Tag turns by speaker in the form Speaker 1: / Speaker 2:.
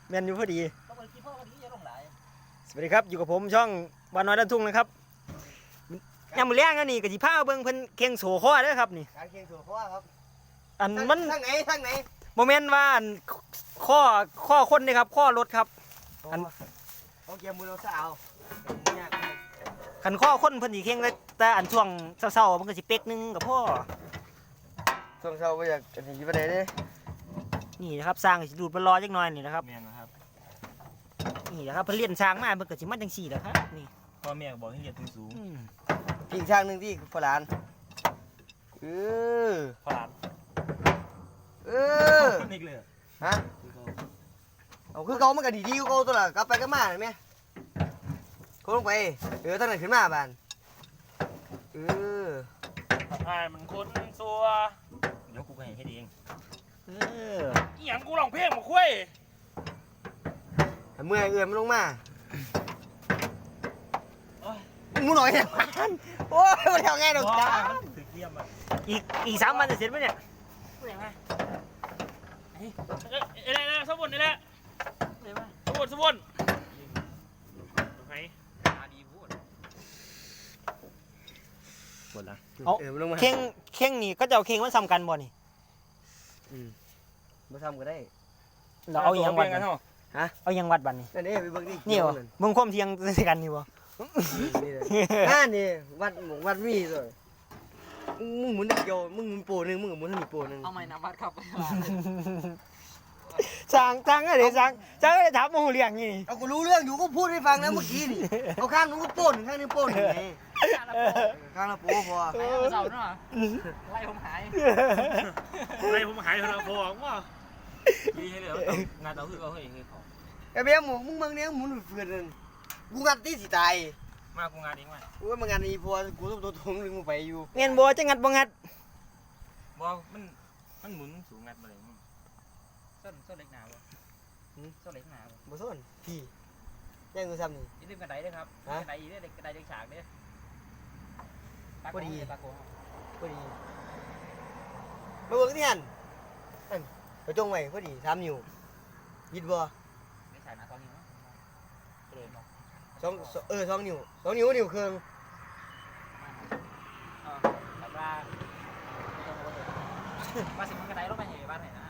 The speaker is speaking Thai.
Speaker 1: แม่นอยู่พอดี
Speaker 2: ต้องไปกินพ่อพอดีอย่าลงไหล
Speaker 1: สวัสดีครับอยู่กับผมช่องบ้านน้อยด้านทุ่งนะครับยามมื้อแลงนี่ก็สิพาเบิ่งเพิ่นเข่งโสคอเด้อครับนี่
Speaker 3: การเคียงถั่วข้อครับ
Speaker 1: อันมัน
Speaker 3: ทางไหน
Speaker 1: บ่แม่นว่าอันข้อคนนี่ครับข้อรถครับอัน
Speaker 3: เอาเกียร์มือเราสาวเนี่ย
Speaker 1: คันข้อคนเพิ่นสิเข่งแต่อันช่วงเช้าๆมันก็สิเป๊กนึงกับพ่อ
Speaker 3: ช่วงเช้าไปอยากจะหนีไปไหนดิ
Speaker 1: นี่นะครับสร้างสิดูดมันรอจักหน่อยนี่นะครับ
Speaker 2: แม่นนะครับ
Speaker 1: นี่นะครับเพิ่นเรียนสร้างมาเพิ่นก็สิมาจังซี่แหละครับนี่
Speaker 2: พ่อแม่บอกให้เรียนสูง
Speaker 3: อีกทางหนึ่งที่ฝรั่ง
Speaker 2: พลาน นี่เลย
Speaker 3: ฮะเอาคือเขามันก็ดีๆเขาตัวละกลับไปก็มาเห็นไหมเขาลงไปตั้งแต่ขึ้นมาบ้าน
Speaker 2: อ่ามันคนซัวเดี๋ยวกูไปให้เองอีหยังกูร้องเพลงมาคุย
Speaker 3: เมื่อยมันลงมามึงหน่อยเนี่ยโอ้ยมันทำไงดอกจ้า
Speaker 2: ถือเกียมอ่ะ
Speaker 1: อีก3 วันจะเสร็จมั้ยเนี่ย
Speaker 2: เอ้ยสมบูรณ์นี่แหละสมบูรณ์ไหนดีพูดหมดละ
Speaker 1: เอาเข่งนี่ก็จะเอาเข่งมันซ้ำกันบ่นี่
Speaker 3: มาทำก็ได้
Speaker 1: เราเอาอย่างวัดกัน
Speaker 3: ฮะ
Speaker 1: เอาอย่างวัดบัดนี่
Speaker 3: นี่ไปเบิ่งดิ
Speaker 1: นี่บ่เบิ่งความเที่ยงใส่กันนี่บ่
Speaker 3: นี่วัดมีเลยมึงหมุนเดียวมึงหมุนโปนึงมึงหมุนให้มีโปนึง
Speaker 2: เอาใหม่นะวัดครับ
Speaker 1: จ้างอะไรจ้างอะไรถามโมโหเลี้ยงนี่
Speaker 3: เอากูรู้เรื่องอยู่ก็พูดให้ฟังนะเมื่อกี้นี่เอาข้างนึงก็โป้นข้างนึงโป้นไงข้างละโป้พอ
Speaker 2: ไล่เสาเนาะไล่ผมหายเถอะพอว่าดีให้เลยงานเราคือเอาให้เขา
Speaker 3: ไอ้เบี้ยมึงเมืองนี้หมุนเฟื่อนกูงัดที่สิตาย
Speaker 2: มากูงานเองมา
Speaker 3: กูว่ามางานนี้พอกูต้องตัวทงนึงมึงไปอยู่
Speaker 1: เงี้ยบ่จะงัดบ่งัด
Speaker 2: บ่มันหมุนสูงงัดมาเลยส้นเล็กหนาบ่ส้นเล็กหนา
Speaker 3: บ่ส้นพี่แจ้งกูซ้ำนี่
Speaker 2: อย่าลืมกระไดด้วยครับกระไดอีกด้วยกระไดเด็กฉากด้วย
Speaker 3: พอดี
Speaker 2: ตาโก
Speaker 3: พอดีมาเบิ่งที่หันไปจงไว้พอดี3 นิ้วยิดบ่
Speaker 2: เด็กฉากหนา2 นิ้ว
Speaker 3: 2 นิ้วเครื่อง
Speaker 2: แต่ว่าสิมันกระไดลงไปเหยียบบ้านไหนนะ